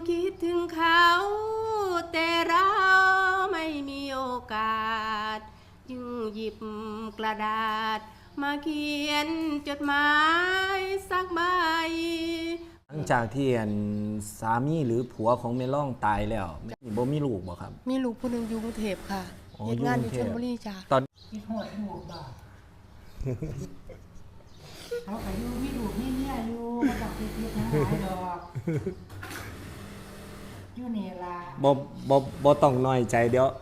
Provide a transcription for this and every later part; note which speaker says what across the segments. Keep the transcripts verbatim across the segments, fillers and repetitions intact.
Speaker 1: คิดถึงเขาแต่เราไม่มีโอกาสจึงหยิบกระดาษมาเขียนจดหมายสักใบ
Speaker 2: หลังจากที่สามีหรือผัวของเมล่องตายแล้วบ่มีลูกบ่ครับ
Speaker 1: มีลูกผู้หนึ่งอยู่กรุงเทพค่ะเฮ็ดงานอยู่ชลบุรีจ้ะ
Speaker 2: ตอน
Speaker 3: คิดหดหูบ่เขาไปอยู่มีลูกมีเมียอยู่มาต้องคิดคิดทั้งหลายดอกอยู่นี่ล่ะ
Speaker 2: บ่บ่บ่ต้องน้อยใจเดี๋ย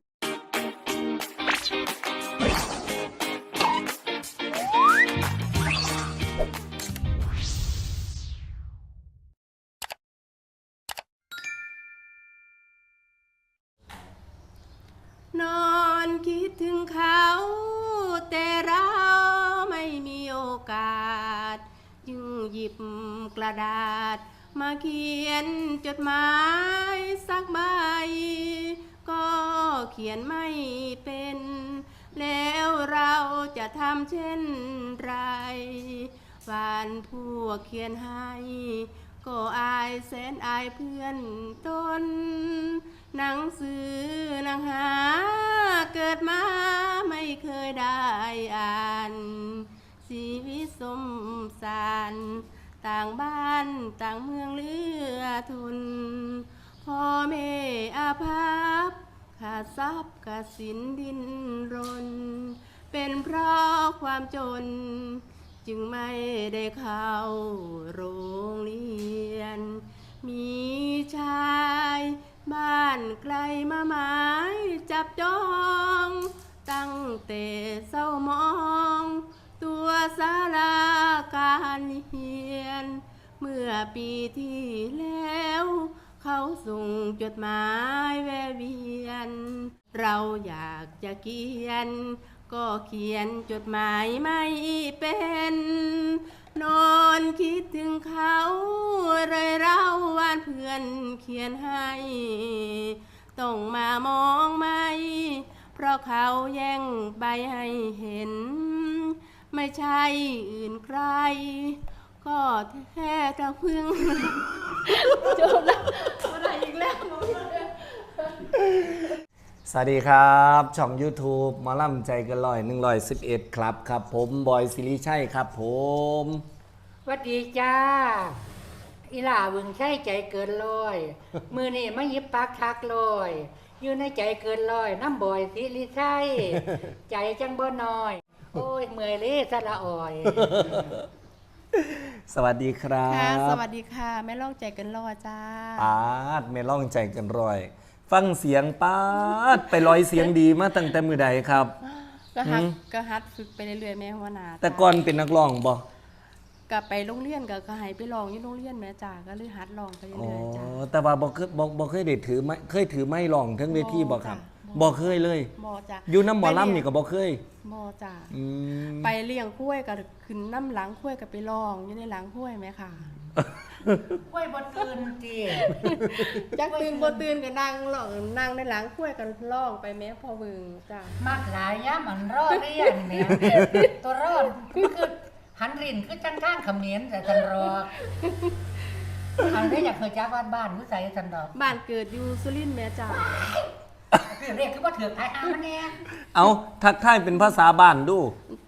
Speaker 1: วนอนคิดถึงเขาแต่เราไม่มีโอกาสจึงหยิบกระดาษมาเขียนจดหมายสักใบก็เขียนไม่เป็นแล้วเราจะทำเช่นไรวานพวกเขียนให้ก็อายแสนอายเพื่อนตนหนังสือหนังหาเกิดมาไม่เคยได้อ่านชีวิตสมสารต่างบ้านต่างเมืองเลือทุนพ่อแม่อาภัพขาดทรัพย์ขาดสินดิ้นรนเป็นเพราะความจนจึงไม่ได้เข้าโรงเรียนมีชายบ้านไกลมาหมายจับจองตั้งแต่เศร้ามองตัวสาราการเฮียนเมื่อปีที่แล้วเขาส่งจดหมายแวะเวียนเราอยากจะเขียนก็เขียนจดหมายไม่เป็นนอนคิดถึงเขาเลยเล่าว่านเพื่อนเขียนให้ต้องมามองไม่เพราะเขาแย่งใบให้เห็นไม่ใช่อื่นใครก็แค่ตะพึ่งจบแล้วอะไรอีกแล้ว
Speaker 2: สวัสดีครับช่อง YouTube หมอลำใจเกันร้อยหนึ่งร้อยสิบเอ็ดครับครับผมบอยศิริชัยครับผม
Speaker 3: สวัสดีจ้าอีหล่าบึงใช่ใจเกินร้อยมือนี่ไม่ยิบปากทักลอยอยู่ในใจเกินร้อยน้ำบอยศิริชัยใจจังบ่น้อยโอ้ยเมื่อยเลยสะละอ่อย
Speaker 2: สวัสดีครับ
Speaker 1: ค่ะสวัสดีค่ะแม่ล่องใจเกันรอจ้า
Speaker 2: ปาดแม่ล่องใจเกันร้อยฟังเสียงปาดไปลอยเสียงดีมาตั้งแต่มือใดครับ
Speaker 1: ก็ฮัดก็ฮัดฝึกไปเรื่อยๆแม่หัวหน้า
Speaker 2: แต่ก่อนเป็นนักร้องบ่
Speaker 1: ก็ไปโรงเรียนก็ก็ให้ไปร้องอยู่โรงเรียนแม่จ้าก็เลยฮัดร้องไปเรื่อยๆจ้า
Speaker 2: อ๋อแต่ว่าบ่เคยบ่บ่เคยได้ถือไม้เคยถือไม้ร้องทั้งเวทีบ่ครับบ่เคยเลย
Speaker 1: บ่จ้า
Speaker 2: อยู่น้ำหมอลำนี่ก็บ่เคย
Speaker 1: บ่จ้า
Speaker 2: อืม
Speaker 1: ไปเลี้ยงคุ้ยก็ขึ้นน้ำหลังคุ้ยก็ไปร้องอยู่ในหลังคุ้ยแม่ค่ะ
Speaker 3: กล้วยบ่ตื่นติ
Speaker 1: จักตื่นบ่ตื่นก็นั่งร้องนั่งในหลังคุ้ยก็ร้องไปแม่พอวึงจ้าม
Speaker 3: ากหลายยามมันรอเรียนแม่ตัวรอดคือหันรินคือจังทางเขมรแต่จันรอกอันนี้อยากเคยจักว่าบ้านอยู่ไสจันดอก
Speaker 1: บ้านเกิดอยู่สุรินทร์แม่จ้า
Speaker 3: คือเรียกคือบ่ถือไผหามันแน่
Speaker 2: เอาทักทายเป็นภาษาบ้านดู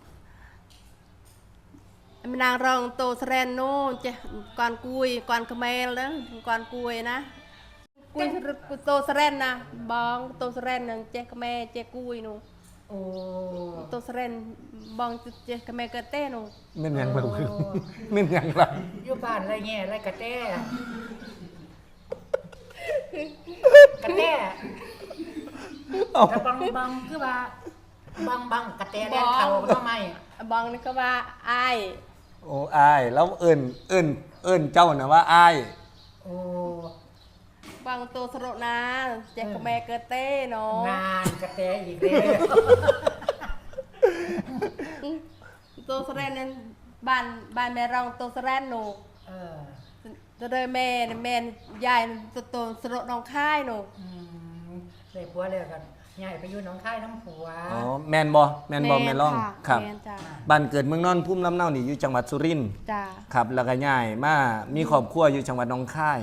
Speaker 1: นางรองโตสแรนโนเจก่อนกุยก่อนขมลนะก่อนกุยนะกุยโตสแรนนะบองโตสแรนนึงเจขมเจกุยนู
Speaker 3: โอ้
Speaker 1: โตสแรนบองเจขมกะเต้นู
Speaker 2: แม่นยังบ่แม่นยังล่ะ
Speaker 3: อยู่บ้านไรแง่ไรกะแต้กะแต้แต่บางบางคือว่าบางบางกะแต้แล่นเข้าทำไม
Speaker 1: บองนี่ก็ว่าอ้าย
Speaker 2: โอ้อายแล้วเอิ้นเอิ้นเอิ้นเจ้าน่ะว่าอาย
Speaker 3: โอ้
Speaker 1: บางโตสโรนาแจกแม่เกเต้เนาะ
Speaker 3: งานกระแตอีกแล้ว
Speaker 1: โตสแรนนั้นบ้านบ้านแม่รองโตสแรนหนู
Speaker 3: เออ
Speaker 1: ตัวเดยแม่แม่ยายโตโตสโรน้องค่ายหนู
Speaker 3: อืมเลยผัวเลยกันใหญ่ไปอยู่น้องค่ายน้ำผัว
Speaker 2: อ๋อแม่นบ่แม่นบ่แม่ร้องครับบ้านเกิดเมืองนอนพุ่มลำเนานี่อยู่จังหวัดสุรินทร์
Speaker 1: จ้า
Speaker 2: ครับแล้วก็ย้ายมามีครอบครัวอยู่จังหวัดหนองคาย
Speaker 1: จ้า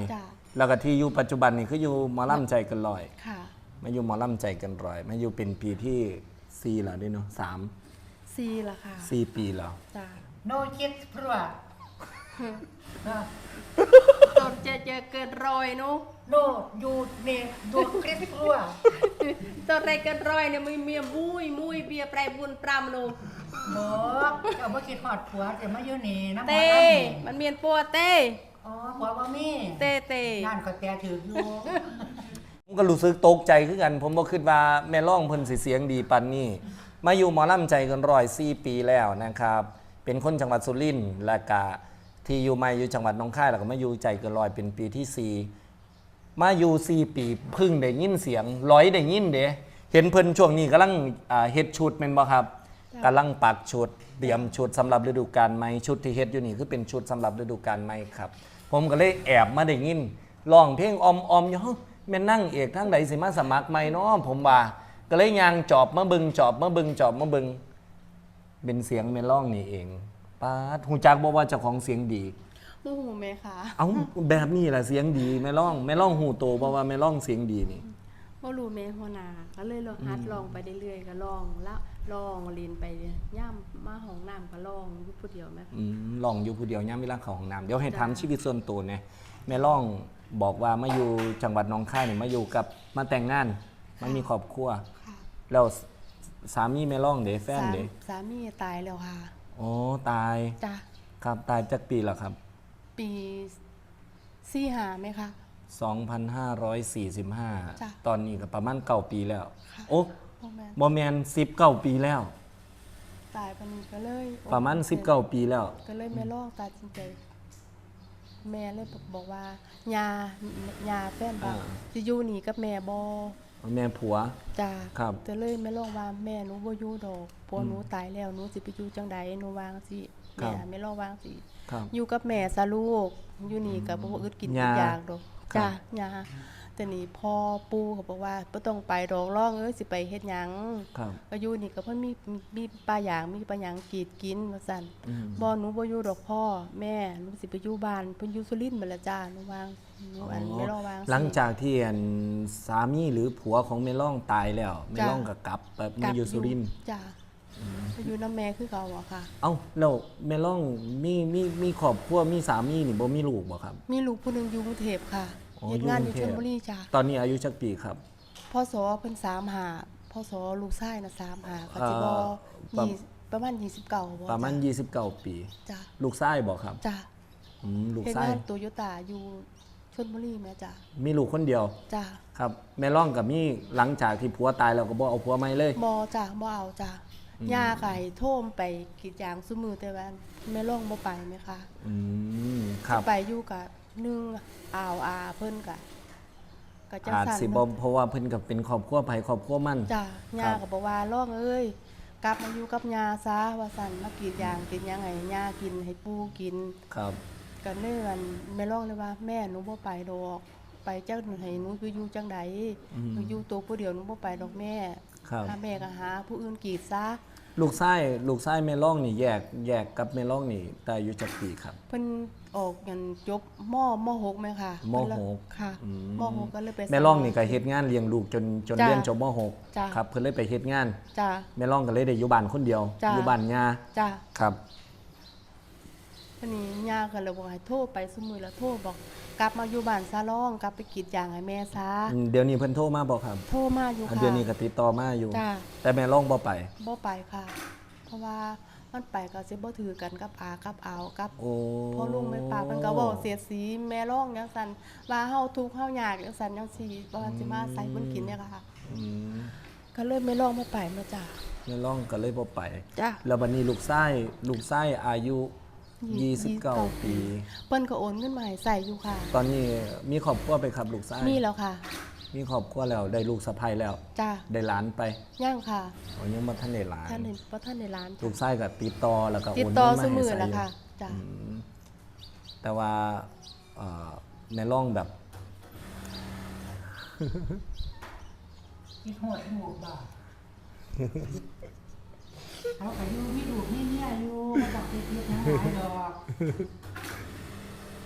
Speaker 2: แล้วก็ที่อยู่ปัจจุบันนี่คืออยู่หมอลำใจเกันลอย
Speaker 1: ค่ะ
Speaker 2: มาอยู่หมอลำใจเกันร้อยมาอยู่เป็นปีที่สี่แล้วด้วยเนาะสาม
Speaker 1: ซีละค่ะ
Speaker 2: สี่ปีแล้ว
Speaker 1: จ้า
Speaker 3: โนคิดพรัวนะ
Speaker 1: ตดเจอเจอเกินร้อยนุ
Speaker 3: โนยูเนดูคริสพรัว
Speaker 1: ตดไรเกินร้อยเนี่ยมีเมียมุ้ยมุ้ยเบียร์แปรบุญปรำนุ
Speaker 3: บอกเอาบ่คิดฮอดผัวแต่มาอยู่นี่น้ำหมอ
Speaker 1: เต้
Speaker 3: ลำนี่
Speaker 1: มันเมียนปัวเต้
Speaker 3: อ๋อผัวบ่มี
Speaker 1: เต้เต้
Speaker 3: งานก็แต่ถืออยู่
Speaker 2: ผมก็รู้สึกตกใจคือกัน ผมบ่คิดว่าแม่ร้องเพิ่นสิเสียงดีปานนี้ มาอยู่หมอลำใจเกันร้อยสี่ปีแล้วนะครับ เป็นคนจังหวัดสุรินทร์และก็ที่อยู่มาอยู่จังหวัดหนองคายแล้วก็มาอยู่ใจเกันร้อยเป็นปีที่สี่มาอยู่สี่ปีเพึ่งได้ยินเสียงร้อยได้ยินเด้เห็นเพิ่นช่วงนี้กำลังอ่าเฮ็ดชุดแม่นบ่ครับกำลังปักชุดเตรียมชุดสำหรับฤดูกาลใหม่ชุดที่เฮ็ดอยู่นี่คือเป็นชุดสำหรับฤดูกาลใหม่ครับ ผมก็เลยแอบมาได้ยินร้องเพลงออมๆอยู่เฮ้าแม่นนั่งเอกทั้งใดสิมาสมัครใหม่เนาะผมว่าก็เลยยางจอบมาเบิงจอบมาเบิงจอบมาเบิงเป็นเสียงแม่ร้องนี่เองปาดฮู้จักบ่ว่าเจ้าของเสียงดี
Speaker 1: โมโหไหมคะ
Speaker 2: เอ้าแบบนี้แหละเสียงดีแม่ร้องแม่ร้องหูโตเพราะว่าแม่ร้องเสียงดีนี่
Speaker 1: บ่รู้แม่หัวหน้าก็เลยลองฮัดลองไปเรื่อยๆก็ลองละลองเรียนไปย่ำมาห้องน้ำก็ลองอยู่ผู้เดียวแม่
Speaker 2: อืมร้องอยู่ผู้เดียวย่ามเวลาเข้าห้องน้ำเดี๋ยวให้ถามชีวิตส่วนตัวเนี่ยแม่ร้องบอกว่ามาอยู่จังหวัดหนองคายนี่มาอยู่กับมาแต่งงานมันมีครอบครัว
Speaker 1: ค่ะ
Speaker 2: แล้วสามีแม่ร้องเด้แฟน
Speaker 1: สาม
Speaker 2: เด้
Speaker 1: สามีตายแล้วค่ะ
Speaker 2: อ๋อตาย
Speaker 1: จ้ะ
Speaker 2: ครับตายจากปีแล้วครับ
Speaker 1: ปีสี่หาไหมคะ
Speaker 2: สองพันห้าร้อยสี่สิบห้า
Speaker 1: จ้ะ
Speaker 2: ตอนนี้ก็ประมาณเก้าปีแล้ว
Speaker 1: ค่ะ
Speaker 2: โอ้
Speaker 1: พ่อแม่
Speaker 2: บอแมนสิบเก้าปีแล้ว
Speaker 1: ตายปานนี้ก็เลย
Speaker 2: ประมาณสิบเก้าปีแล้ว
Speaker 1: ก็เลยแม่ลอกตัดสินใจแม่เลยบอกว่ายายาแฟนบ่า
Speaker 2: อ่า
Speaker 1: สิอยู่นี่กับแม่บ่
Speaker 2: แม่ผัว
Speaker 1: จ้า
Speaker 2: ครับ
Speaker 1: แต่เลยแม่ลองว่าแม่หนูบ่อยู่ดอกเพราะหนูตายแล้วหนูสิไปอยู่จังใดหนูวางสิ
Speaker 2: ครั
Speaker 1: แม่
Speaker 2: บ
Speaker 1: แม่ลองวางสิ
Speaker 2: ครับ
Speaker 1: อยู่กับแม่ซะลูกอยู่นี่ก็บ่อึดกิน
Speaker 2: ย่า
Speaker 1: อีกอย่างดอก
Speaker 2: ครับ
Speaker 1: จ้ายาแต่นี่พ่อปู่ก็บอกว่าบ่ต้องไปดอกร้องเอ้ยสิไปเฮ็ดหยัง
Speaker 2: ครับ
Speaker 1: ก็อยู่นี่ก็เพิ่นมีมีปลาหยางมีปลาหยางกรีดกินว่าซั่น
Speaker 2: อืม
Speaker 1: บ่หนูบ่อยู่ดอกพ่อแม่หนูสิไปอยู่บ้านเพิ่นอยู่สุรินทร์บัดละจ้าหนูวางหนูอันไม่รอวางสิ
Speaker 2: หลังจากที่อันสามีหรือผัวของเมล่องตายแล้วเมล่องก็กลับแบบมาอยู่สุรินทร์
Speaker 1: จ้าไปอยู่น้ำแม่คือเก่าอะค่ะ
Speaker 2: เอ้าแล้วเมล่องมีมีมีครอบครัวมีสามีนี่บ่มีลูกบ่ครับ
Speaker 1: มีลูกผู้หนึงอยู่กรุงเทพค่ะ
Speaker 2: อ๋อ
Speaker 1: เฮ็ดงานอ
Speaker 2: อยู่
Speaker 1: ยู่
Speaker 2: กรุงเทพ
Speaker 1: ชลบุรีจ้า
Speaker 2: ตอนนี้อายุจักปีครับ
Speaker 1: พ่อสอเพิ่นสามหาพ่อสอลูกชายน่ะสามหาก็สิบ่
Speaker 2: เอ่อประ
Speaker 1: ยี่ประมาณยี่สิบเก้าบ่
Speaker 2: ประมาณ
Speaker 1: จ้
Speaker 2: ยี่สิบเก้าปี
Speaker 1: จ้า
Speaker 2: ลูกชายบ่ครับ
Speaker 1: จ้า
Speaker 2: อืมลูก
Speaker 1: เฮ็ด
Speaker 2: ชาย
Speaker 1: งานโตโยต้าอยู่ชลบุรีแม่จ้า
Speaker 2: มีลูกคนเดียว
Speaker 1: จ้า
Speaker 2: ครับแม่ล่องกับมีหลังจากที่ผัวตายแล้วก็บ่เอาผัวใหม่เลย
Speaker 1: บ่จ้าบ่เอาจ้า
Speaker 2: อืม
Speaker 1: ย่าก็ให้โทมไปกรีดยางซุมื้อแต่ว่าแม่ร้องบ่ไปแม่ค่ะ
Speaker 2: อืมครับ
Speaker 1: ไปอยู่กับนึ่งอ่าวอาเพิ่นกะกะจัง
Speaker 2: อาจ
Speaker 1: สัน
Speaker 2: สิบ่เพราะว่าเพิ่นก็เป็นครอบครัวไผครอบครัวมัน
Speaker 1: จ้า
Speaker 2: ค
Speaker 1: ย่า
Speaker 2: รับ
Speaker 1: ก็บอกว่าร้องเอ้ยกลับมาอยู่กับย่าซะว่าสั่นมากรีดยางกินหยังไงย่ากินให้ปู่กิน
Speaker 2: ครับ
Speaker 1: ก็เลยวันแม่ร้องเลยว่า แม่หนูบ่ไปดอก ไปจักให้หนูคืออยู่จังใด
Speaker 2: อืม
Speaker 1: หนูอยู่ตัวผู้เดียวหนูบ่ไปดอกแม่
Speaker 2: ครับ
Speaker 1: ถ้าแม่ก็หาผู้อื่นกรีดซะ
Speaker 2: ลูกชายลูกชายแม่ล่องนี่แยกแยกกับแม่ล่องนี่แต่อายุจักปีครับ
Speaker 1: เพิ่นออกกันจบมมหกไหมค่ะ
Speaker 2: ม
Speaker 1: เพิ่นละ
Speaker 2: หก
Speaker 1: ค่ะ
Speaker 2: อืม
Speaker 1: มหกก็เลยไป
Speaker 2: แม่ล่องนี่ก็เฮ็ดงานเลี้ยงลูกจนจน
Speaker 1: จ้ะ
Speaker 2: เรียนจบมหก
Speaker 1: จ้ะ
Speaker 2: ครับเพิ่นเลยไปเฮ็ดงาน
Speaker 1: จ้า
Speaker 2: แม่ล่องก็เลยได้อยู่บ้านคนเดียว
Speaker 1: จ้ะ
Speaker 2: อยู่บ้านย่า
Speaker 1: จ้า
Speaker 2: ครับ
Speaker 1: วันนี้ย่าก็เลยบอกให้โทรไปสมือแล้วโทรบอกกลับมาอยู่บ้านซาลองกลับไปกรีดยางให้แม่ซะ
Speaker 2: อืมเดี๋ยวนี้เพิ่นโทรมาบ่ครับ
Speaker 1: โทรมาอยู่
Speaker 2: อัน
Speaker 1: ค่ะ
Speaker 2: เดี๋ยวนี้ก็ติดต่อมาอยู่
Speaker 1: จ้า
Speaker 2: แต่แม่ล่องบ่ไป
Speaker 1: บ่ไปค่ะ เพราะว่ามันไปก็สิบ่ถือกันกับอากับอาวกับ
Speaker 2: โอ้
Speaker 1: พ่อลุงแม่ป้าเพิ่นก็เว้าเสียดสีแม่ร้องจังซั่นว่าเฮาทุกข์เฮายากจังซั่นจังซี่บ่ว่าสิมาใส่เพิ่นกินเนี่ยค่ะ
Speaker 2: อืม
Speaker 1: ก็เลยไม่ร้องบ่ไปมาจ้า
Speaker 2: แม่ล่องก็เลยบ่ไป
Speaker 1: จ้า
Speaker 2: แล้วบัดนี้ลูกชายลูกชายอายุ
Speaker 1: ยี่
Speaker 2: ยี่
Speaker 1: สิ
Speaker 2: สิ
Speaker 1: บบ เก้า
Speaker 2: เก้า
Speaker 1: ปี
Speaker 2: ปี
Speaker 1: เพิ่นก็โอนเงินมาให้ใส่อยู่ค่ะ
Speaker 2: ตอนนี้มีครอบครัวไปครับลูกชาย
Speaker 1: มีแล้วค่ะ
Speaker 2: มีครอบครัวแล้วได้ลูกสะใภ้แล้ว
Speaker 1: จ้า
Speaker 2: ได้หลานไป
Speaker 1: ย่างค่ะ
Speaker 2: อ๋อยังบ่ทันได้หลาน
Speaker 1: ท่านเห็นบ่ท่านในร้าน
Speaker 2: ลูกชายก็ติดต่อแล้วก็
Speaker 1: ติด
Speaker 2: โอน
Speaker 1: ต่อ
Speaker 2: เงินมา
Speaker 1: ซุ
Speaker 2: ให้
Speaker 1: มือ
Speaker 2: ใส่
Speaker 1: แล้ว
Speaker 2: อยู่
Speaker 1: ค่ะจ้า
Speaker 2: อืมแต่ว่าเอ่อในร่องแบบ
Speaker 3: คิดหอดลูกบ่เขาก็อยู่มีลูกมีเมียอยู่บ่ต้องคิดคิดหาหลายดอก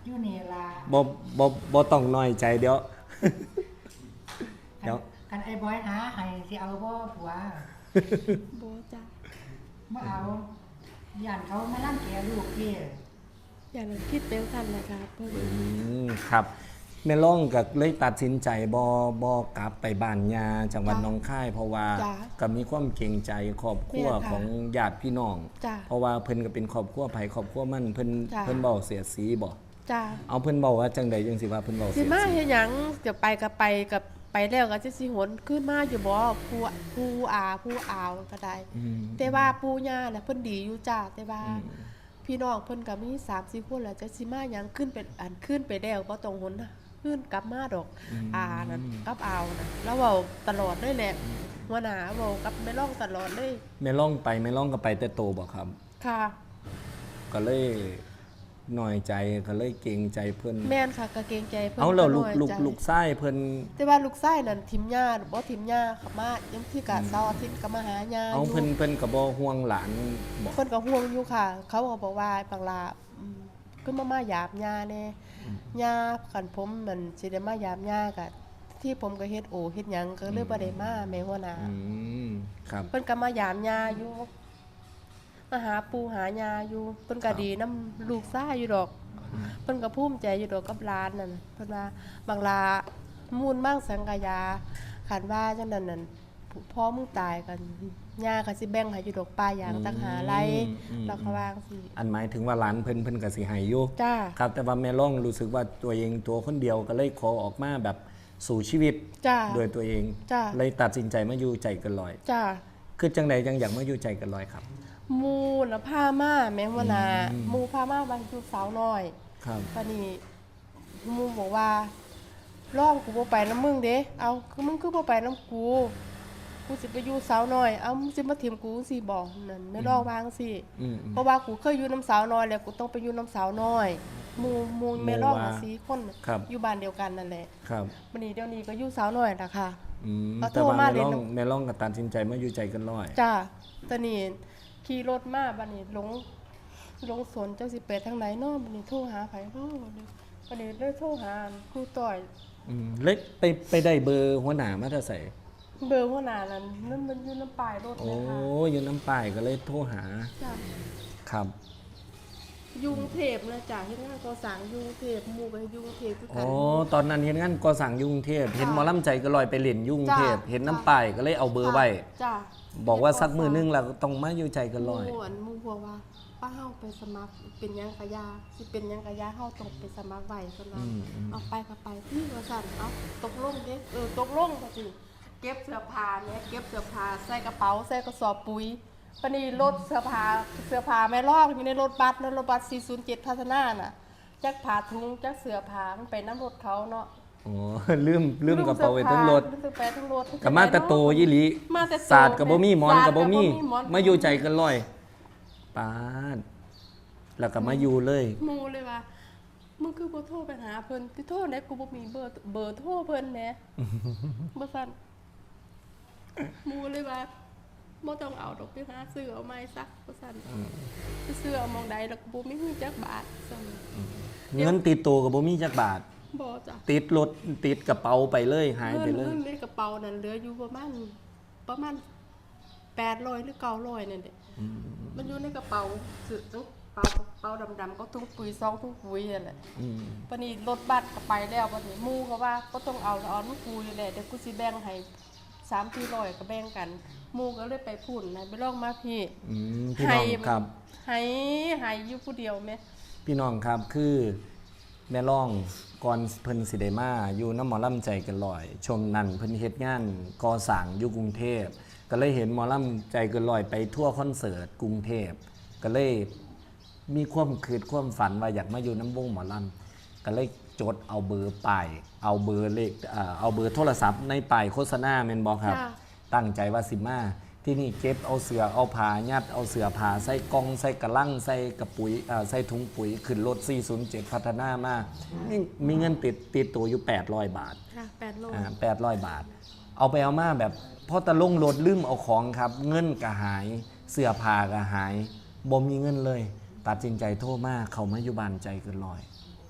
Speaker 3: อยู่นี่ล่ะ
Speaker 2: บ่บ่บ่ต้องน้อยใจเดี๋ยว เดี๋ยว
Speaker 3: กันไอ้บอยหาให้สิเอาบ่ผัว
Speaker 1: โบจ้า
Speaker 3: บ่เอาย่านเขามาลั่นแกลูกพี่
Speaker 1: อย่างนั้นคิดเป็นกันแหละครับเพิ่น
Speaker 2: อืมครับแม่ล่องก็เลยตัดสินใจบ่บ่กลับไปบ้านยาจังหวัดหนองคายเพราะว่า
Speaker 1: จ้ะ
Speaker 2: ก็มีความเกรงใจครอบครัว
Speaker 1: แม่ค่ะ
Speaker 2: ของญาติพี่น้อง
Speaker 1: จ้ะ
Speaker 2: เพราะว่าเพิ่นก็เป็นครอบครัวไผครอบครัวมันเพิ่น
Speaker 1: จ้ะ
Speaker 2: เพิ่นเว้าเสียดสีบ่
Speaker 1: จ้า
Speaker 2: เอาเพิ่นเว้าว่าจังใดจังสิว่าเพิ่นเว้า
Speaker 1: สิ
Speaker 2: เสียด
Speaker 1: มา
Speaker 2: สี
Speaker 1: เฮ็ดหยังจะไปก็ไปกับไปแล้วก็จะสิหนขึ้นมาอยู่บ่ผู้ผู้อาผู้อาวก็ได้
Speaker 2: อืม
Speaker 1: แต่ว่าปู่ย่าน่ะเพิ่นดีอยู่จ้าแต่ว่า
Speaker 2: อืม
Speaker 1: พี่น้องเพิ่นก็มีสามสี่คนแล้วจะสิมาหยังขึ้นเป็นอันขึ้นไปแล้วบ่ต้องหนนะขึ้นกลับมาดอก อานั่นกับอาวน่ะแล้วเว้าตลอดเลยแหละหัวหน้าเว้ากับแม่ร้องตลอดเลย
Speaker 2: แม่ล่องไปแม่ล่องก็ไปแต่โตบ่ครับ
Speaker 1: ค่ะ
Speaker 2: ก็เลยน้อยใจก็เลยเกรงใจเพิ่น
Speaker 1: แม่นค่ะก็เกรงใจเพิ่น
Speaker 2: เอาแล้วลูก
Speaker 1: น้ย
Speaker 2: ลูก
Speaker 1: ใจ
Speaker 2: ลูกชายเพิ่น
Speaker 1: แต่ว่าลูกชายนั่นทิมย่าบ่ทิมย่าเขามายังที่กะเสาร์อาทิตย์ก็มาหาย่า
Speaker 2: เอา
Speaker 1: อยู่
Speaker 2: เพิ่นเพิ่นก็บ่ห่วงหลานบ่
Speaker 1: เพิ่นก็ห่วงอยู่ค่ะ เขาก็บอกว่าบางลาอืมขึ้นมามายามย่าแน่ย่าคันผมมันสิได้มายามย่าก็ที่ผมก็เฮ็ดโอเฮ็ดหยังก็เลยบ่ได้มาแม่หัวหน้า
Speaker 2: อืมครับ
Speaker 1: เพิ่นก็มายามย่าอยู่มาหาปู่หาย่าอยู่เพิ่นก็ดีนํลูกชายอยู่ดอกเพิ่นก็ภูมิใจอยู่ดอกกับหลานนั่นเพิ่นว่าบางลามูลมั่งสังกายาคันว่าจังนั้นนั่นพ่อมึงตายกันย่าก็สิแบ่งให้อยู่ดอกป้าอย่างต่างหาไร
Speaker 2: อืม
Speaker 1: แล้วก็วางสิ
Speaker 2: อันหมายถึงว่าหลานเพิ่นเพิ่นก็สิให้อยู่
Speaker 1: จ้า
Speaker 2: ครับแต่ว่าแม่ล่องรู้สึกว่าตัวเองตัวคนเดียวก็เลยขอออกมาแบบสู่ชีวิต
Speaker 1: จ้า
Speaker 2: โดยตัวเอง
Speaker 1: จ้ะ
Speaker 2: เลยตัดสินใจมาอยู่ใจเกันลอย
Speaker 1: จ้า
Speaker 2: คือจังใดจังอยากมาอยู่ใจเกันลอยครับ
Speaker 1: หมูน่ะพามาแม่หัวหน้า
Speaker 2: อืม
Speaker 1: หมูพามาบางอยู่สาวน้อย
Speaker 2: ครับ
Speaker 1: ปานนี้หมูบอกว่าร้องกูบ่ไปนำมึงเด้เอาคือมึงคือบ่ไปนำกูกูสิไปอยู่สาวน้อยเอามึงสิมาถิ่มกูสิบ่นั่นไม่ร้องวางสิ
Speaker 2: อืมอืม
Speaker 1: เพราะว่ากูเคยอยู่น้ำสาวน้อยแล้วกูต้องไปอยู่น้ำสาวน้อยหมูหมูแม่ร้อง
Speaker 2: หมู่ว่า
Speaker 1: น่ะสี่คน
Speaker 2: ครับ
Speaker 1: อยู่บ้านเดียวกันนั่นแหละ
Speaker 2: ครับ
Speaker 1: วันนี้เดี๋ยวนี้ก็อยู่สาวน้อยนะคะ
Speaker 2: อืม
Speaker 1: เอาโทร
Speaker 2: แต่ว่า
Speaker 1: มา
Speaker 2: แม่
Speaker 1: เลย
Speaker 2: ล่อง
Speaker 1: เนาะ
Speaker 2: แม่ล่องก็ตัดสินใจมาอยู่ใจเกันลอย
Speaker 1: จ้าตอนนี้ขี่รถมาบัดนี้หลงหลงสนเจ้าสิไปทางไหนเนาะบัดนี้โทรหาไผเนาะบัดนี้บัดนี้เลยโทรหาครูต่อย
Speaker 2: อืมเล็กไปไปได้เบอร์หัวหน้ามาแต่ใส่
Speaker 1: เบอร์หัวหน้านั้นนั่นมันอยู่น้ำปลายรถ
Speaker 2: โอ้
Speaker 1: นะคะ
Speaker 2: อยู่น้ำป้ายก็เลยโทรหา
Speaker 1: จ้า
Speaker 2: ครับ
Speaker 1: ยุงเทพนะจ้าเฮ็ดงานก่อสร้างยุงเทพหมู่ก็ยุงเทพคือกั
Speaker 2: อ๋
Speaker 1: น
Speaker 2: อตอนนั้นเห็นงั้นก็สั่งยุ่กรุงเทพเห็นหมอลำใจก็ลอยไปเล่นยุ่กรุงเทพ
Speaker 1: จ้ะ
Speaker 2: เห็นน้ำป้ายก็เลยเอาเบอร์ไว้
Speaker 1: จ้า
Speaker 2: บอกว่าสักมือนึงเราต้องมาอยู่ใจกันลอย
Speaker 1: หมู่อันหมู่บอกว่าป้าเฮาไปสมัครเป็นหยังกะยาสิเป็นหยังกะยาเฮาต้องไปสมัครไว้เพิ่นว่า
Speaker 2: อืมอืม
Speaker 1: เอาไปก็ไปพี่ว่าซั่นเอาตกลงเด้เออตกลงก็สิเก็บเสื้อผ้าเนี่ยเก็บเสื้อผ้าใส่กระเป๋าใส่กระสอบปุ๋ยปานนี้รถเสื้อผ้าเสื้อผ้าแม่ลอกอยู่ในรถบัสแล้วรถบัสสี่ศูนย์เจ็ดพัฒนาน่ะจักผ้าถุงจักเสื้อผ้ามันไปน้ำรถเขาเนาะ
Speaker 2: อ๋อ ลืมลืมกระเป๋าไว้ทั้งรถ
Speaker 1: ลืมเสื้อผ้าทั้งรถ
Speaker 2: กับมาแต่โตยี่หลี
Speaker 1: มาแต่โต
Speaker 2: ศาสตร์กับบ่มีหมอนกับบ่มี
Speaker 1: ศาสตร์กับบ่มีหมอน
Speaker 2: มาอยู่ใจกันลอยปาดแล้วก็มาอยู่เลย
Speaker 1: หมูเลยว่ามึงคือบ่โทรไปหาเพิ่นที่โทรได้กูบ่มีเบอร์เบอร์โทรเพิ่นแหม บ่ซั่นหมูเลยว่าบ่ต้องเอาดอกไปหาซื้อเอาใหม่ซะบ่ซั่นไปซื้อเอาหมองใดแล้วกูบ่มีเงินจักบาทซั่น
Speaker 2: เงินติดตัวกับบ่มีจักบาท
Speaker 1: บ่จ้ะ
Speaker 2: ติดรถติดกระเป๋าไปเลยหายไปเลย
Speaker 1: เงินในกระเป๋านั่นเหลืออยู่ประมาณประมาณแปดร้อยหรือเก้าร้อยนั่นแหละมันอยู่ในกระเป๋าซื้อเป๋ากระเป๋าดำๆก็ถุงปุ๋ยซองถุงปุ๋ยนั่นแหละ
Speaker 2: อืม
Speaker 1: ปานนี้รถบัสก็ไปแล้วปานนี้หมู่ก็ว่าก็ต้องเอาแล้วเอาลูกกูนี่แหละเดี๋ยวกูสิแบ่งให้สามสี่ร้อยก็แบ่งกันหมู่ก็เลยไปพูดนะไปลองมาพี่
Speaker 2: อืมพี่น้องครับ
Speaker 1: ให้ให้อยู่ผู้เดียวแม่
Speaker 2: พี่น้องครับคือแม่ร่องก่อนเพิ่นสิได้มาอยู่น้ำหมอลำใจกันลอย ช่วงนั้นเพิ่นเฮ็ดงานก่อสร้างอยู่กรุงเทพก็เลยเห็นหมอลำใจกันลอยไปทั่วคอนเสิร์ตกรุงเทพก็เลยมีความคิดความฝันว่าอยากมาอยู่น้ำวงหมอลำก็เลยจดเอาเบอร์ป้ายเอาเบอร์เลขเอ่อเอาเบอร์โทรศัพท์ในป้ายโฆษณาแม่นบ่ครับ ตั้งใจว่าสิมาที่นี่เก็บเอาเสือเอาผ้ายัดเอาเสือผ้าใส่กล่องใส่กระลังใส่กระปุ๋ยเอ่อใส่ถุงปุ๋ยขึ้นรถสี่ศูนย์เจ็ดพัฒนามานี่มีเงินติดติดตัวอยู่แปดร้อยบาท
Speaker 1: ค่ะแปดโล
Speaker 2: อ่าแปดร้อยบาท เอาไปเอามาแบบพอตะลงรถลืมเอาของครับ เงินก็หายเสื้อผ้าก็หายบ่มีเงินเลย ตัดสินใจโทรมาเขามาอยู่บ้านใจเกินร้อย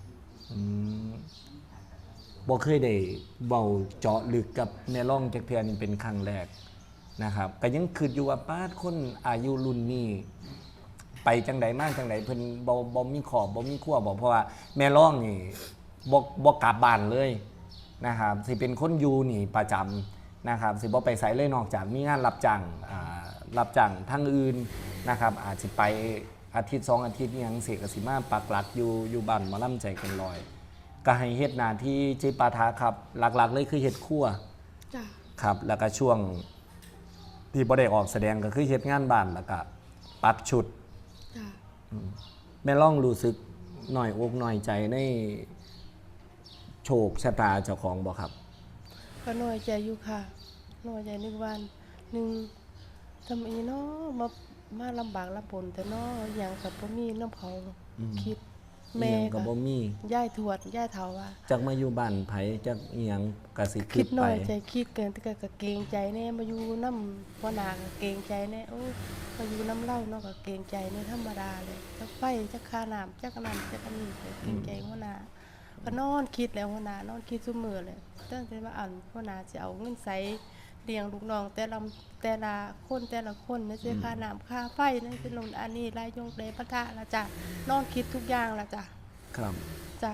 Speaker 2: อืมบ่เคยได้เว้าเจาะลึกกับแม่ร่องจักเทื่อนี่เป็นครั้งแรกนะครับก็ยังคิดอยู่ว่าป้าดคนอายุรุ่นนี้ไปจังใดมาจังใดเพิ่นบ่บ่มีขอบบ่มีขั้วบ่เพราะว่าแม่ร่องนี่บ่บ่กลับบ้านเลยนะครับสิเป็นคนอยู่นี่ประจำนะครับสิบ่ไปไสเลยนอกจากมีงานรับจ้างอ่ารับจ้างทางอื่นนะครับอาจสิไปอาทิตย์สองอาทิตย์อิหยังสิก็สิมาปักหลักอยู่อยู่บ้านหมอลำใจเกันลอยก็ให้เฮ็ดหน้าที่จิปาถะครับหลักๆเลยคือเฮ็ดครัว
Speaker 1: จ้ะ
Speaker 2: ครับแล้วก็ช่วงที่บ่ได้ออกแสดงก็คือเฮ็ดงานบ้านแล้วก็ปัดชุด
Speaker 1: จ้ะ
Speaker 2: แม่ล่องรู้สึกหน่อยอกหน่อยใจในโชคชะตาเจ้าของบ่ครับ
Speaker 1: ก็น้อยใจอยู่ค่ะน้อยใจนึกวันหนึ่งทำไมเนาะมามาลำบากลำบนแต่เนาะอย่างกับบ่มีน้ำเขา
Speaker 2: อืม
Speaker 1: คิด
Speaker 2: อี
Speaker 1: แม่
Speaker 2: หยังก็
Speaker 1: ค่ะ
Speaker 2: บ่มี
Speaker 1: ย่ายทวดย่ายเฒ่าว่า
Speaker 2: จักมาอยู่บ้านไผจักอีหยังก็สิ
Speaker 1: คิ
Speaker 2: คิ
Speaker 1: ด
Speaker 2: ด
Speaker 1: น้
Speaker 2: ไป
Speaker 1: อยใจคิดเกินแต่ก็ก็เกรงใจแน่มาอยู่น้ำพ่อนาก็เกรงใจแน่โอ้ยมาอยู่น้ำเล่าเนาะก็เกรงใจในธรรมดาเลยจักไฟจักค่าน้ำจักน้ำจักอันนี้ก็เกรงใจหัวหน้าก็นอนคิดแล้วหัวหน้านอนคิดซุมื้อเลยตั้งแต่ว่าอันหัวหน้าสิเอาเงินใส่เลี้ยงลูกน้องแต่ละแต่ละคนแต่ละคนนั่นสิค่าน้ำค่าไฟนั่นสิลงอันนี้รายยงเลยพระทะละจ้ะนอนคิดทุกอย่างละจ้ะ
Speaker 2: ครับ
Speaker 1: จ้ะ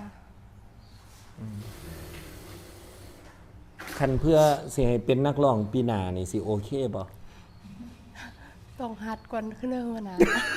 Speaker 2: คันเพื่อสิให้เป็นนักร้องปีหน้านี่สิโอเคบ่
Speaker 1: ต้องหัดก่อนขึ้นเรื่องหัวหน้า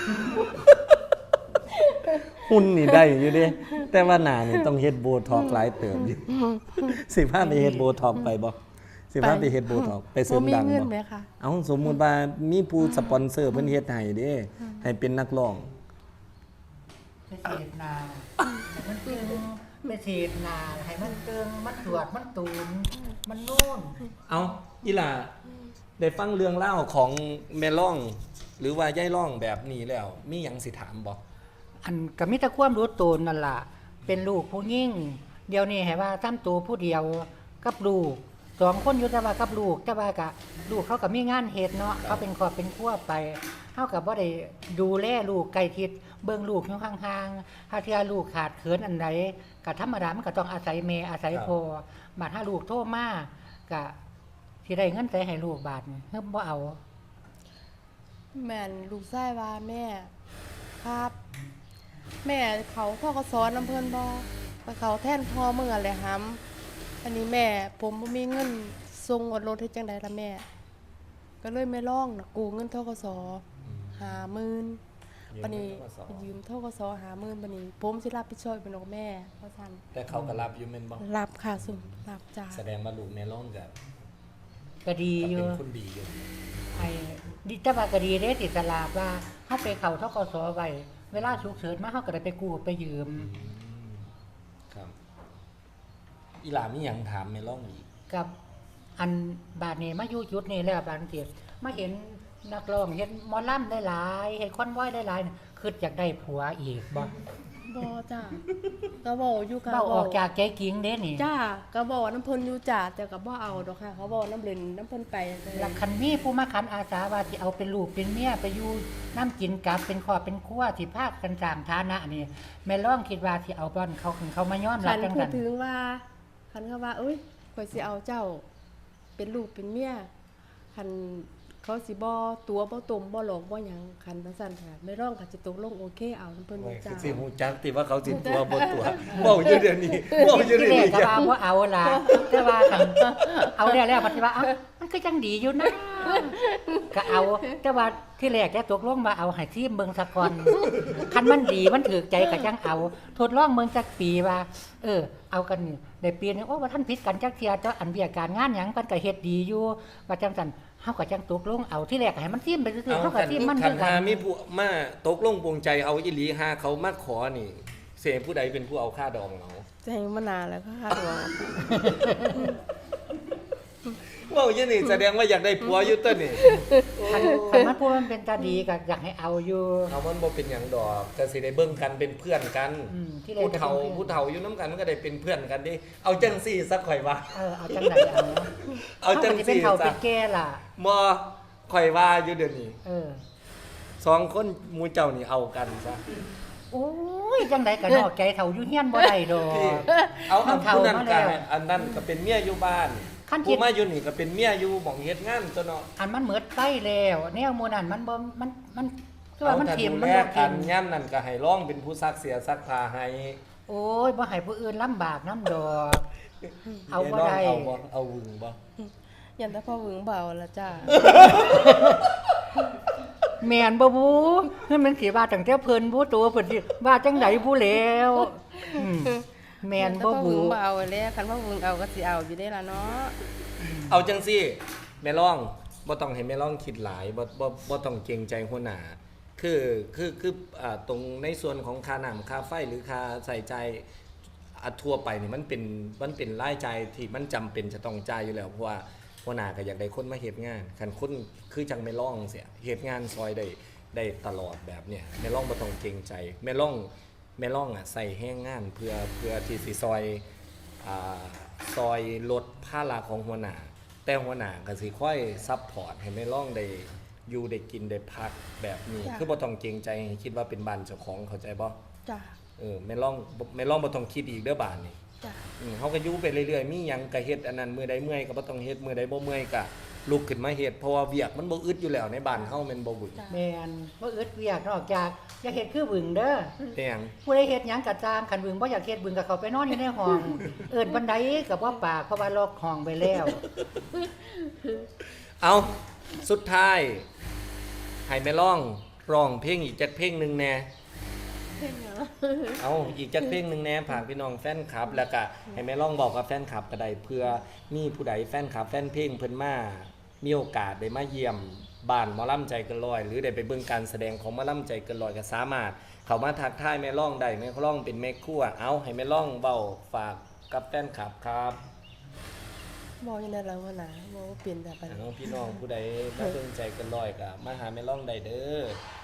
Speaker 2: หุ่นนี่ได้อยู่เด้แต่ว่าหน้านี่ต้องเฮ็ดโบท็อกซ์หลายเติมอยู่ สิพาไปเฮ็ดโบท็อกซ์ไปบ่สิพาไปเฮ็ดโบท็อกซ์ไปเสริมดัง
Speaker 1: บ่มีเงิน
Speaker 2: บ่
Speaker 1: ไหมคะ
Speaker 2: เอาสมมุติว่ามีผู้สปอนเซอร์เพิ่นเฮ็ดให้เด้ให้เป็นนักร้อง
Speaker 3: ไปเสียดนาให้มันตึงไปเสียดนาให้มันตึงมันตรวจมันตูนมันนู่น
Speaker 2: เอาอีหล่าได้ฟังเรื่องเล่าวของแม่ร่อง หรือว่ายายร่องแบบนี้แล้ว มีหยังสิถามบ่
Speaker 3: อันก็มีแต่ความรู้ตนนั่นล่ะ เป็นลูกผู้ยิ่ง เดี๋ยวนี้ให้ว่าทำตัวผู้เดียวกับลูกสองคนอยู่แต่ว่ากับลูกแต่ว่ากะลูกเขาก็มีงานเฮ็ดเนาะเขาเป็นครอบเป็นครัวไปเฮาก็บ่ได้ดูแลลูกใกล้ชิดเบิ่งลูกอยู่ห่างๆถ้าเทื่อลูกขาดเขินอันใดก็ธรรมดามันก็ต้องอาศัยแม่อาศัยพ่อบัดถ้าลูกโทรมาก็สิได้เงินใส่ให้ลูกบาทนี่เฮิบบ่เอา
Speaker 1: แม่นลูกชายว่าแม่ครับ แม่เขาพ่อก็สอนน้ำเพิ่นบ่ไปเขาแท่นพ่อเมื่อแหละหำอันนี้แม่ ผมบ่มีเงินส่งอดรถให้จังใดล่ะแม่ ก็เลยไม่ร้องนะกู้เงินธกสห้าหมื่นบัดนี้ยืมธกสห้าหมื่นบัดนี้ ผมสิรับผิดชอบเป็นของแม่เพราะซั่น
Speaker 2: แต่เขาก็รับอยู่แม่นบ่
Speaker 1: รับค่ะสุมรับจ้า
Speaker 2: แสดงว่าลูกแม่ร่องก็
Speaker 3: ก็ดี
Speaker 2: ก็
Speaker 3: อยู่
Speaker 2: เป็นคนดีอยู่
Speaker 3: ไอ้ดิแต่ว่าก็ดีเด้ติดตลาดว่าเฮาไปเข้าธกสไว้เวลาฉุกเฉินมาเฮาก็ได้ไปกู้ไปยืม
Speaker 2: ครับอีหล่ามีหยังถามแม่ร่องอีก
Speaker 3: กับอันบาดนี้มาอยู่จุดนี้แล้วบางทีมาเห็นนักร้องเห็นหมอลำได้หลายเห็นคอนวอยได้หลายคืออยากได้ผัวอีกบ่
Speaker 1: บ่จ้าก็บ่อยู่กับ
Speaker 3: เบ้าออกจากใจกิ่งเด้นี่
Speaker 1: จ้าก็บอกน้ำเพิ่นอยู่จ้าแต่ก็บ่เอาดอกค่ะ เขาบอกน้ำเล่นน้ำเพิ่นไปจัง
Speaker 3: หลักคันมีผู้มาคันอาสาว่าสิเอาเป็นลูกเป็นเมียไปอยู่น้ำกินกับเป็นครอบเป็นครัวสิพากันสร้างฐานะนี่แม่ร้องคิดว่าสิเอาบ่อนเขาถึงเขามาย้อนรั
Speaker 1: คั
Speaker 3: บ
Speaker 1: น
Speaker 3: จัง
Speaker 1: พู
Speaker 3: ซั่
Speaker 1: ด
Speaker 3: น
Speaker 1: ถึงว่าคันเขาว่าเอ้ยข่อยสิเอาเจ้า เป็นลูกเป็นเมียคันเขาสิบ่ตัวบ่ตมบ่หลอกบ่หยังคันจังซั่นค่ะไม่ร้องก็สิตกลงโอเคเอาน้ำเพิ่นจ้า
Speaker 2: สิฮู้จักติว่าเขาสิตัวบ่ตัวเว้าอยู่เดี๋ยวนี้เว้าอยู่
Speaker 3: ที่
Speaker 2: เดี๋ยว
Speaker 3: แรก
Speaker 2: นี้
Speaker 3: ก็ว่าบ่เอาล่ะแต่ว่าคันเอาแล้วแล้วปฏิว่าเอ้ามันก็จังดีอยู่นะก็เอา แต่ว่าที่แรกแกตกลงว่าเอาให้ซีมเบิ่งซะก่อนคันมันดีมันถูกใจก็จังเอา ทดลองเบิ่งจักปีว่า เออ เอากันนี่ได้ปีนึงโอ้ว่าท่านผิดกันจักเที่ยแต่อันเบียการงานหยังเพิ่นก็เฮ็ดดีอยู่ว่าจังซั่นเฮาก็จังตกลงเอาที่แรกก็ให้มันซีมไปซื่อๆ
Speaker 2: เอา
Speaker 3: เฮาก็
Speaker 2: คัน
Speaker 3: ซีมมัน
Speaker 2: คั
Speaker 3: คื
Speaker 2: น
Speaker 3: อกั
Speaker 2: หาน มีผู้มาตกลงปลงใจเอาอีหลีหาเขามาขอนี่เสียผู้ใดเป็นผู้เอาค่าดองเอา
Speaker 1: ใจมานานแล้วก็คาดหวัง
Speaker 2: เว้าอยู่นี่แสดงว่าอยากได้ผัวอยู่ตัวนี่
Speaker 3: คันคันมันพูดมันเป็นตาดีก็อยากให้เอาอยู่
Speaker 2: เอามันบ่เป็นหยังดอกก็สิได้เบิ่งกันเป็นเพื่อนกัน
Speaker 3: อืมที่แรก
Speaker 2: ผู้
Speaker 3: ก็
Speaker 2: เฒ่า
Speaker 3: เป็นเพื่อน
Speaker 2: ผู้เฒ่าอยู่นํกันมันก็ได้เป็นเพื่อนกันเด้เอาจังซี่สักข่อยว่า
Speaker 3: เออเอาจังไดเอา
Speaker 2: เอาจัง
Speaker 3: สิเป็น
Speaker 2: ซี่
Speaker 3: เฒ่า
Speaker 2: ซะ
Speaker 3: เป็นแก่ล่ะ
Speaker 2: บ่ข่อยว่าอยู่เดี๋ยวนี้
Speaker 3: เออ
Speaker 2: สองคนหมู่เจ้านี่เอากันซะ
Speaker 3: โอ้ยยจังไดก็นอกใจเฒ่าอยู่เฮียนบ่ได้ดอก
Speaker 2: ที่เอาอัน
Speaker 3: มันเฒ่า
Speaker 2: ผู้นั้น
Speaker 3: มา
Speaker 2: ก็
Speaker 3: แล้ว
Speaker 2: อันนั้นก็เป็นเมียอยู่บ้าน
Speaker 3: คันคิ
Speaker 2: ผู้
Speaker 3: ด
Speaker 2: มาอยู่นี่ก็เป็นเมียอยู่หม่องเฮ็ดงานตัวเนาะ
Speaker 3: อันมันเหมือดไปแล้วแนวหมู่นั้นมันบ่มันมันคือ
Speaker 2: เอา
Speaker 3: ว่ามัน
Speaker 2: ถ้า
Speaker 3: ถิ่ม
Speaker 2: ดู
Speaker 3: มัน
Speaker 2: แล
Speaker 3: บ่
Speaker 2: กั
Speaker 3: กิ
Speaker 2: น
Speaker 3: น
Speaker 2: ย่ํนั่นก็ให้ร้องเป็นผู้ซักเสียซักผ้าให้
Speaker 3: โอ้ยบ่ให้ผู้อื่นลำบากน้ำดอก เอาบ่ได้
Speaker 2: เอาบ่เอาวึงบ่
Speaker 1: ยันแต่พ่อหวึงเบาละจ้า
Speaker 3: แม่นบ่บูนั่นมันสิว่าตั้งแต่เพิ่นบูตัวเพิ่นสิว่าจังไดบูแล้วอืมแม่นบ่
Speaker 1: ยัแต่พ่อหวึ
Speaker 3: บู
Speaker 1: งเบาแล้วคันพ่อหวึงเอาก็สิเอาอยู่ได้ล่ะเนาะ
Speaker 2: เอาจังซี่แม่ร้องบ่ต้องให้แม่ร้องคิดหลายบ่บ่บ่ต้องเกรงใจหัวหน้าคือคือคืออ่าตรงในส่วนของค่าน้ำค่าไฟหรือค่าใส่ใจายอ่ะทั่วไปนี่มันเป็นมันเป็นรายจ่ายที่มันจำเป็นจะต้องจ่ายอยู่แล้วเพราะว่าหัวหน้าก็อยากได้คนมาเฮ็ดงานคันคนคือจังแม่ร้องเสียเฮ็ดงานซอยได้ได้ตลอดแบบเนี้ยแม่ร้องบ่ต้องเกรงใจแม่ร้องแม่ร้องอ่ะใส่แห้งงานเพื่อเพื่อที่สิซอยอ่าซอยลดภาระของหัวหน้า แต่หัวหน้าก็สิค่อยซัพพอร์ตให้แม่ร้องได้อยู่ได้กินได้พักแบบนี้
Speaker 1: จ้ะ
Speaker 2: คือบ่ต้องเกรงใจให้คิดว่าเป็นบ้านเจ้าของเข้าใจบ่
Speaker 1: จ้า
Speaker 2: เออแม่ร้องแม่ร้องบ่ต้องคิดอีกเด้อบ้านนี่
Speaker 1: จ้า
Speaker 2: อืมเฮาก็อยู่ไปเรื่อยๆมีหยังก็เฮ็ดอันนั้นมื้อใดเมื่อยก็บ่ต้องเฮ็ดมื้อใดบ่เมื่อยก็ลุกขึ้นมาเฮ็ดเพราะว่าเวียกมันบ่อึดอยู่แล้วในบ้านเฮาแม่นบ่บึก
Speaker 3: แม่นบ่อึดเวียกนอกจากอยากเฮ็ดคือบึงเด้อ
Speaker 2: แต่หยัง
Speaker 3: ผู้ใดเฮ็ดหยังก็ตามคันบึงบ่อยากเฮ็ดบึงก็เข้าไปนอนอยู่ในห้อง เอิ้นบันไดก็บ่ปากเพราะว่าล็อกห้องไว้แล้ว
Speaker 2: เอาสุดท้ายให้แม่ร้องร้องเพลงอีกจักเพลงหนึงแหน่
Speaker 1: เพ่งเหรอ
Speaker 2: เอาอีกจักเพลงหนึ่งแหน่ฝากพี่น้องแฟนคลับ แล้วก็ให้แม่ร้องบอกกับแฟนคลับก็ได้เพื่อมีผู้ใดแฟนคลับ แฟนเพลงเพิ่นมามีโอกาสได้มาเยี่ยมบ้านหมอลำใจเกินร้อยหรือได้ไปเบิ่งการแสดงของหมอลำใจเกินร้อยก็สามารถเข้ามาทักทายแม่ร้องได้แม่ร้องเป็นแม่ครัวเอาให้แม่ร้องเว้าฝากกับแฟนคลับครับ
Speaker 1: บอกยังไงล่ะหัวหน้าบอกว่าเปลี่ยนแต่ไป
Speaker 2: น้องพี่น้องผู้ใดมาเบิ่งใจเกินร้อยก็มาหาแม่ร้องได้เด้อ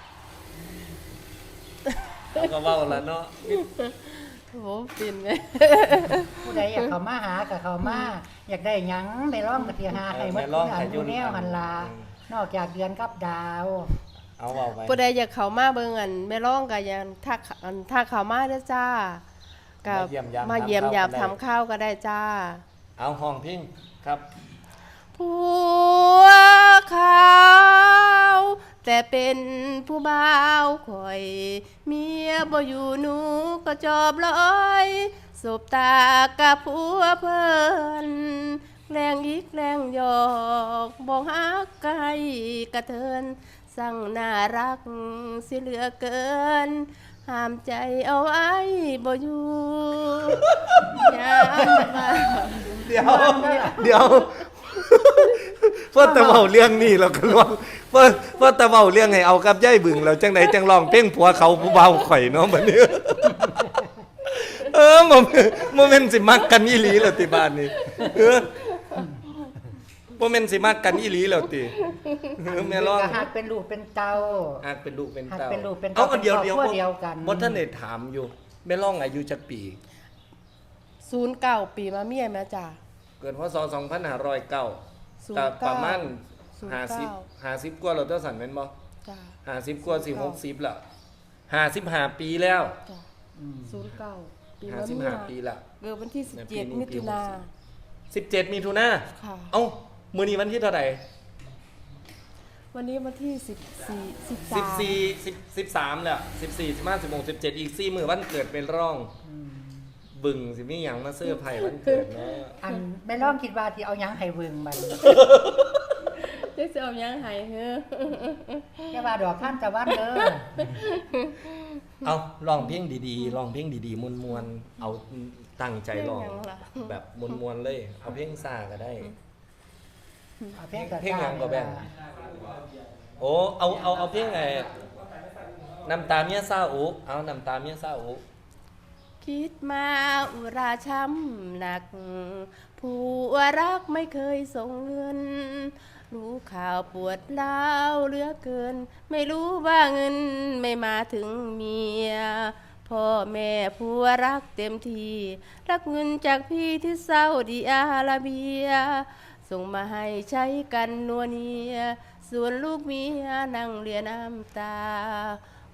Speaker 2: แล้วก็เว้าละเนาะ
Speaker 1: โอ้เปลี่ยนไหม
Speaker 3: ผู้ใดอยากเข้ามาหาก็เข้ามาอยากได้หยังไปร้องก็สิหาให้หมดทุกอย่างอยู่แนวหันลานอกจากเดือนกับดาว
Speaker 2: เอาเว้าไป
Speaker 1: ผู้ใดอยากเข้ามาเบิ่งอันแม่ร้องก็ยังทักอันทักเข้ามาเด้อจ้ากับ
Speaker 2: มาเยี่ยมยาม
Speaker 1: มาเยี่ยมยาม
Speaker 2: ทำข้าวก็ได้
Speaker 1: ทำข้าวก็ได้จ้า
Speaker 2: เอาห้องพิงครับ
Speaker 1: ผัวขาวแต่เป็นผู้บ่าวข่อย เมียบ่อยู่หนูก็จอบลอยสบตากับผัวเพิ่นแรงยิกแรงหยอกบอกฮักไกลกระเทินสั่งน่ารักสิเหลือเกิน ห้ามใจเอาไว้บ่อยู่ยามมา
Speaker 2: เดี๋ยว เดี๋ยวเพื่อแต่เว้าเรื่องนี้เราก็ร้องเพื่อเพื่อแต่เว้าเรื่องให้เอากับยายบึงเราจังไดจังร้องเพลงผัวเขาผู้เบาข่อยเนาะบัดนี้ เออบ่บ่แม่นสิมักกันอีหลีแล้วติบ้านนี้เออบ่แม่นสิมักกันอีหลีแล้วติเออแม่ร้อง
Speaker 3: ก็หักเป็นลูกเป็นเต้า
Speaker 2: อักเป็นลูกเป็น
Speaker 3: หัก
Speaker 2: เต้า
Speaker 3: เป็นลูกเป็น
Speaker 2: เอา
Speaker 3: เต้า
Speaker 2: เดี๋ยว
Speaker 3: เป็น
Speaker 2: เดี๋ยว
Speaker 3: ครอบครัวเดียวกัน
Speaker 2: บ่ทันได้ถามอยู่แม่ร้องอายุจักปี
Speaker 1: ศูนย์เก้าปีมาเมียแม่จ้า
Speaker 2: เกิดพศสองพันห้าร้อยเก้า
Speaker 1: ศูน
Speaker 2: ก็
Speaker 1: ย์เก้า
Speaker 2: ประมาณ
Speaker 1: ศูนย์
Speaker 2: ห้าสิบ
Speaker 1: เก้า
Speaker 2: ห้าสิบกว่าเราตัวสันแม่นบ่
Speaker 1: จ้า
Speaker 2: ห้าสิบกว่าสิหกสิบแล้วห้าสิบห้าปีแล้ว
Speaker 1: จ้าศูนย์เก้าปี
Speaker 2: ห้า
Speaker 1: มา
Speaker 2: สิบ
Speaker 1: เมี
Speaker 2: ห้าย ปีละ
Speaker 1: เกิดวันที่สิบ
Speaker 2: ในปี
Speaker 1: เจ็ด
Speaker 2: นี้
Speaker 1: มิถุนา
Speaker 2: ปีหกสิบ สิบเจ็ดมีทุนา
Speaker 1: ค่ะ
Speaker 2: เอ้ามื้อนี้วันที่เท่าไหร่
Speaker 1: วันนี้วันที่สิบสี่สิบสาม
Speaker 2: สิบสี่ สิบ สิบสามแล้วสิบสี่ สิบห้า สิบหก สิบเจ็ดอีกสี่มื้อวันเกิดเป็นร่อง บึงสิมีหยังมาเสื้อร์ไผ่วันเกิดเนาะ
Speaker 3: อันแม่ร้องคิดว่าที่เอาหยังให้เบิ่งมัน
Speaker 1: เจ๊จะเอายังไงเฮ้อ
Speaker 3: แค่ว่าดอกท่านตะวันเด้อ
Speaker 2: เอาร้องเพลงดีๆร้องเพลงดีๆมวนๆเอาตั้งใจร้อง
Speaker 1: เพลงหยังล่ะ
Speaker 2: แบบมวนๆเลย เอาเพลงซ่าก็ได้
Speaker 3: เอาเพลงกระ
Speaker 2: เพลงห
Speaker 3: จา
Speaker 2: ยั
Speaker 3: ย
Speaker 2: งก็แบ่ง โอ้เอาเอาเอาเพลงไอ้น้ำตาเมียซาอุเอาน้ำตาเมียซาอุ
Speaker 1: คิดมาอุราช้ำหนัก ผู้รักไม่เคยส่งเงิน รู้ข่าวปวดร้าวเหลือเกิน ไม่รู้ว่าเงินไม่มาถึงเมีย พ่อแม่ผัวรักเต็มทีรักเงินจากพี่ที่ซาอุดิอาระเบีย ส่งมาให้ใช้กันนัวเนีย ส่วนลูกเมียนั่งเรียน้ำตา ก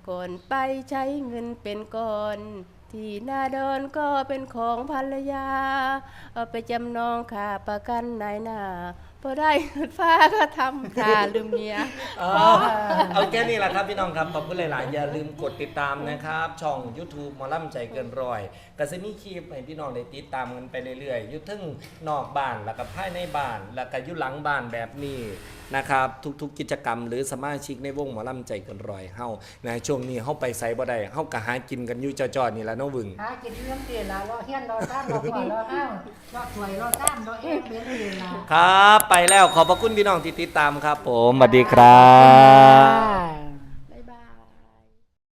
Speaker 1: ก่อนไปใช้เงินเป็นก่อน ที่หน้าดอนก็เป็นของภรรยา เอาไปจำนองค่าประกันนายหน้าพอได้เงินฟ้าก็ทำค่าลืมเมีย
Speaker 2: อ๋อเอาแค่นี้แหละครับพี่น้องครับขอบคุณหลายๆอย่าลืมกดติดตามนะครับ ช่อง YouTube หมอล่ำใจเกินร้อยก็จะมีคลิปให้พี่น้องได้ติดตามกันไปเรื่อยๆอยู่ทั้งนอกบ้านแล้วก็ภายในบ้านแล้วก็อยู่หลังบ้านแบบนี้นะครับทุกๆกิจกรรมหรือสมาชิกในวงหมอล่ำใจเกินร้อยเฮาในช่วงนี้เฮาไปไสบ่ได้เฮาก็หากินกันอยู่จ่อๆนี่ล่ะเนาะวึง
Speaker 3: หากินเรื่องเตียละรอเฮียนรอซ้ำรอขวารอห้าวรอถวยรอซ้ำรอเอ็งเลี้ยงเตียละ
Speaker 2: ครับไปแล้วขอบพระคุณพี่น้องที่ติดตามครับผมสวัสดีครับ
Speaker 3: อ่า